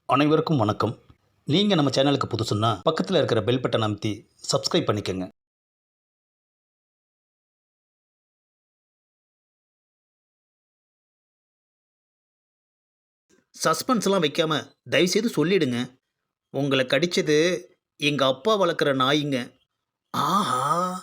அனைவருக்கும் வணக்கம். நீங்கள் நம்ம சேனலுக்கு புதுசுன்னா பக்கத்தில் இருக்கிற பெல் பட்டன் அமைத்தி சப்ஸ்கிரைப் பண்ணிக்கோங்க. சஸ்பென்ஸ்லாம் வைக்காம தயவுசெய்து சொல்லிடுங்க. உங்களை கடிச்சது எங்கள் அப்பா வளர்க்குற நாய்ங்க. ஆஹா,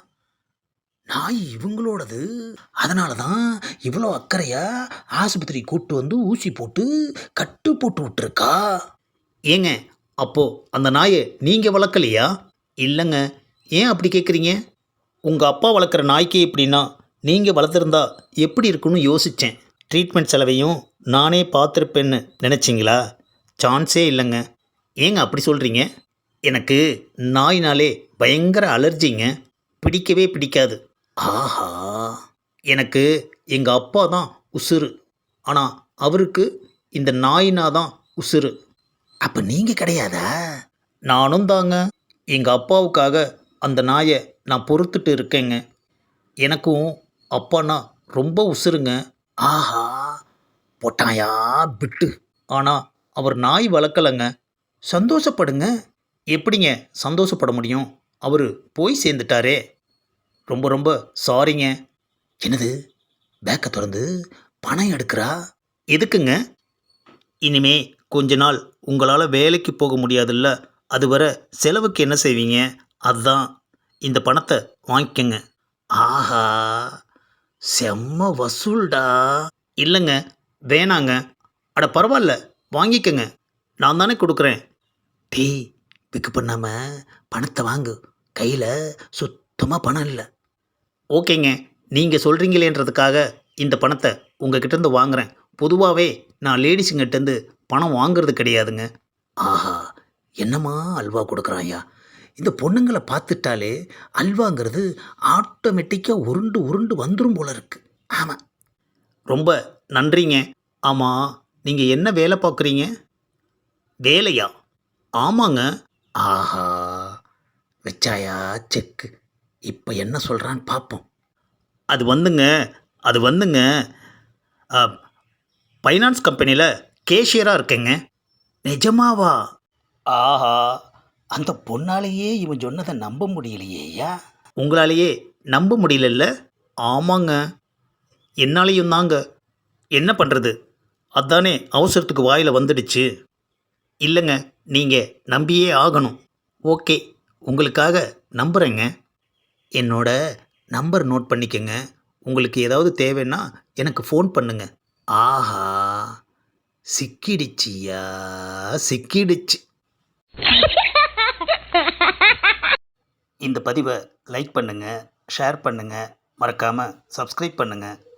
நாய் இவங்களோடது. அதனால தான் இவ்வளோ அக்கறையா ஆஸ்பத்திரி கூட்டு வந்து ஊசி போட்டு கட்டு போட்டு விட்டுருக்கா. ஏங்க, அப்போ அந்த நாயை நீங்கள் வளர்க்கலையா? இல்லைங்க. ஏன் அப்படி கேட்குறீங்க? உங்கள் அப்பா வளர்க்குற நாய்க்கே இப்படின்னா நீங்கள் வளர்த்துருந்தா எப்படி இருக்குன்னு யோசித்தேன். ட்ரீட்மெண்ட் செலவையும் நானே பார்த்துருப்பேன்னு நினச்சிங்களா? சான்ஸே இல்லைங்க. ஏங்க அப்படி சொல்கிறீங்க? எனக்கு நாய்னாலே பயங்கர அலர்ஜிங்க. பிடிக்கவே பிடிக்காது. ஆஹா, எனக்கு எங்கள் அப்பா தான் உசுரு. ஆனால் அவருக்கு இந்த நாயினா தான் உசுரு. அப்போ நீங்கள் கிடையாதா? நானும் தாங்க. எங்கள் அப்பாவுக்காக அந்த நாயை நான் பொறுத்துட்டு இருக்கேங்க. எனக்கும் அப்பானா ரொம்ப உசுருங்க. ஆஹா, போட்டாயா பிட்டு. ஆனால் அவர் நாய் வளர்க்கலைங்க. சந்தோஷப்படுங்க. எப்படிங்க சந்தோஷப்பட முடியும்? அவர் போய் சேர்ந்துட்டாரே. ரொம்ப ரொம்ப சாரிங்க. என்னது, பேக்கை திறந்து பணம் எடுக்கிறா? எதுக்குங்க? இனிமே கொஞ்ச நாள் உங்களால் வேலைக்கு போக முடியாதுல்ல, அது வர செலவுக்கு என்ன செய்வீங்க? அதுதான் இந்த பணத்தை வாங்கிக்கங்க. ஆஹா, செம்ம வசூல்டா. இல்லைங்க, வேணாங்க. அட பரவாயில்ல, வாங்கிக்கங்க. நான் தானே கொடுக்குறேன். டேய், பிக்கு பண்ணாமல் பணத்தை வாங்கு. கையில் சுத்தமாக பணம் இல்லை. ஓகேங்க, நீங்கள் சொல்கிறீங்களேன்றதுக்காக இந்த பணத்தை உங்ககிட்டேருந்து வாங்குகிறேன். பொதுவாகவே நான் லேடிஸுங்கிட்டேருந்து பணம் வாங்குறது கிடையாதுங்க. ஆஹா, என்னம்மா அல்வா கொடுக்குறாயா? இந்த பொண்ணுங்களை பார்த்துட்டாலே அல்வாங்கிறது ஆட்டோமேட்டிக்காக உருண்டு உருண்டு வந்துடும் போல இருக்கு. ஆமாம், ரொம்ப நன்றிங்க. ஆமாம், நீங்கள் என்ன வேலை பார்க்குறீங்க? வேலையா? ஆமாங்க. ஆஹா, வச்சாயா செக்கு. இப்போ என்ன சொல்கிறான்னு பார்ப்போம். அது வந்துங்க ஃபைனான்ஸ் கம்பெனியில் கேஷியராக இருக்கேங்க. நிஜமாவா? ஆஹா, அந்த பொண்ணாலேயே இவன் சொன்னதை நம்ப முடியலையேயா. உங்களாலேயே நம்ப முடியலல்ல? ஆமாங்க, என்னாலேயும் தாங்க. என்ன பண்ணுறது, அதானே அவசரத்துக்கு வாயில் வந்துடுச்சு. இல்லைங்க, நீங்கள் நம்பியே ஆகணும். ஓகே, உங்களுக்காக நம்புகிறேங்க. என்னோட நம்பர் நோட் பண்ணிக்கங்க. உங்களுக்கு ஏதாவது தேவைன்னா எனக்கு ஃபோன் பண்ணுங்க. ஆஹா, சிக்கிடுச்சியா, சிக்கிடுச்சு. இந்த பதிவை லைக் பண்ணுங்கள், ஷேர் பண்ணுங்கள், மறக்காமல் சப்ஸ்கிரைப் பண்ணுங்கள்.